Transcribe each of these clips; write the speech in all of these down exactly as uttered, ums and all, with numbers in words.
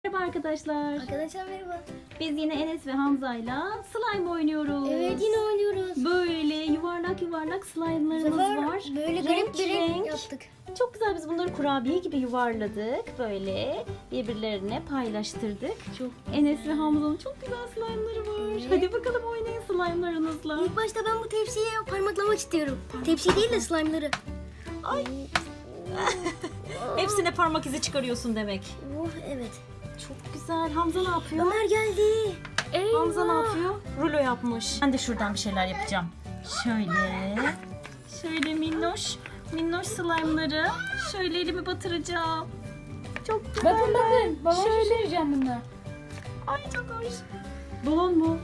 Merhaba arkadaşlar. Arkadaşlar merhaba. Biz yine Enes ve Hamza'yla slime oynuyoruz. Evet yine oynuyoruz. Böyle yuvarlak yuvarlak Bu slime'larımız sefer var. böyle Renk garip bir renk renk. yaptık. Çok güzel, biz bunları kurabiye gibi yuvarladık. Böyle birbirlerine paylaştırdık. Çok Enes ve Hamza'nın çok güzel slime'ları var. Evet. Hadi bakalım oynayın slime'larınızla. İlk başta ben bu tepsiye parmaklamak istiyorum. Tepsi değil de slime'ları. Ay. Hepsine parmak izi çıkarıyorsun demek. Oh evet. Çok güzel. Hamza ne yapıyor? Ömer geldi. Hamza ne yapıyor? Rulo yapmış. Ben de şuradan bir şeyler yapacağım. Şöyle. Şöyle minnoş. Minnoş slime'ları. Şöyle elimi batıracağım. Çok güzel. Bakın bakın. Balon Şöyle. şişireceğim bununla. Ay çok hoş. Balon mu?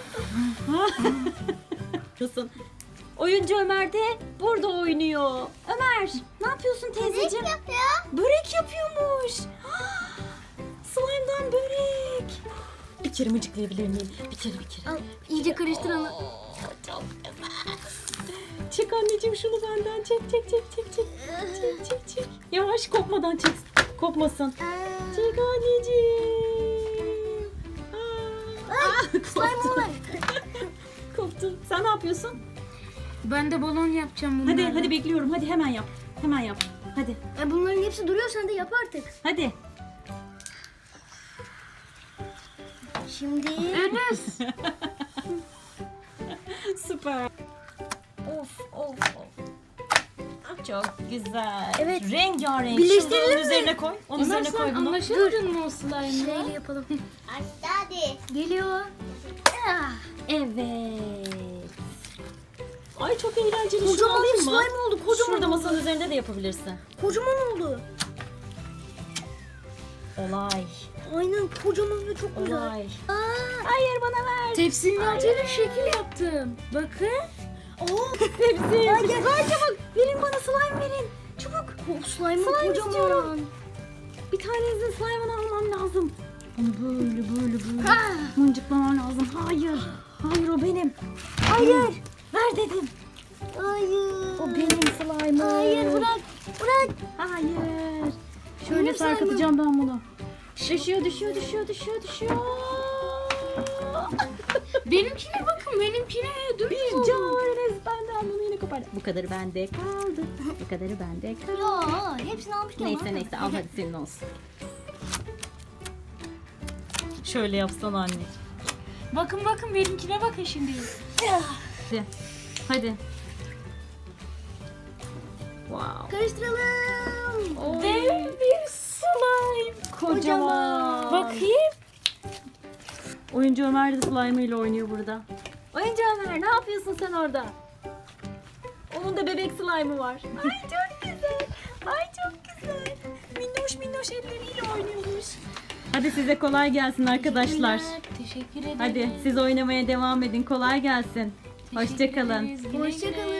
Nasıl? Oyuncu Ömer de burada oynuyor. Ömer, ne yapıyorsun teyzeciğim? Börek yapıyor. Börek yapıyormuş. Slime'dan börek. Bir kere mıcıklayabilir miyim? Bir kere bir kere. Al iyice karıştır onu. Çok güzel. Çek anneciğim şunu benden. Çek çek çek çek çek. Çek çek çek. Yavaş, kopmadan çek. Kopmasın. Çek anneciğim. Aa, Slime var. koptu. Sen ne yapıyorsun? Ben de balon yapacağım bunlarla. Hadi hadi bekliyorum. Hadi hemen yap. Hemen yap. Hadi. E, bunların hepsi duruyor, sen de yap artık. Hadi. Şimdi Enes. Süper. Of of of. Çok güzel. Evet. Rengarenk. Birleştirelim Şimdi onun mi? üzerine koy. Onun Ömer üzerine sen koy bunu. anlaşamadın mı o slime'la? şöyle yapalım. Hadi. Geliyor. Ah, Evet. Ay çok eğlenceli. Şunu Kocaman alayım bir mı? slime oldu, kocaman Şurada oldu. masanın üzerinde de yapabilirsin. Kocaman oldu. Olay. Aynen kocaman ve çok güzel. Olay. Aa, Hayır, bana ver. Tepsinin altıyla şekil yaptım. Bakın. oh, Tepsi. Ay çabuk. Verin bana slime verin. Çabuk. bu slime Slime kocaman. istiyorum. Bir tanesinin slime'ını almam lazım. Onu böyle böyle böyle Ha. mıncıklamam lazım. Hayır. Hayır, o benim. Hayır. Ver dedim. Hayır. O benim slime'ım. Hayır bırak. Bırak. Hayır. Şöyle Benim sarkıtacağım ben bunu. Düşüyor, düşüyor, düşüyor, düşüyor, düşüyor. Benimkine bakın. Benimkine dümdüz Bir oldu. canavar Enes benden bunu yine kopardı. Bu kadarı bende kaldı. Bu kadarı bende kaldı. Ya hepsini almışken Neyse bana. neyse, al hadi senin olsun. Şöyle yapsana anne. Bakın bakın benimkine bakın şimdi. Hadi. Hadi. Wow. Karıştıralım. Oy. Dev bir slime. Kocaman. Bakayım. Oyuncu Ömer de slime ile oynuyor burada. Oyuncu Ömer, ne yapıyorsun sen orada? Onun da bebek slime'ı var. Ay çok güzel. Ay çok güzel. Minnoş minnoş elleriyle oynuyormuş. Hadi size kolay gelsin arkadaşlar. Teşekkür ederim. Hadi siz oynamaya devam edin. Kolay gelsin. Teşekkür Hoşça kalın. ederiz. Güle güle. Hoşça kalın.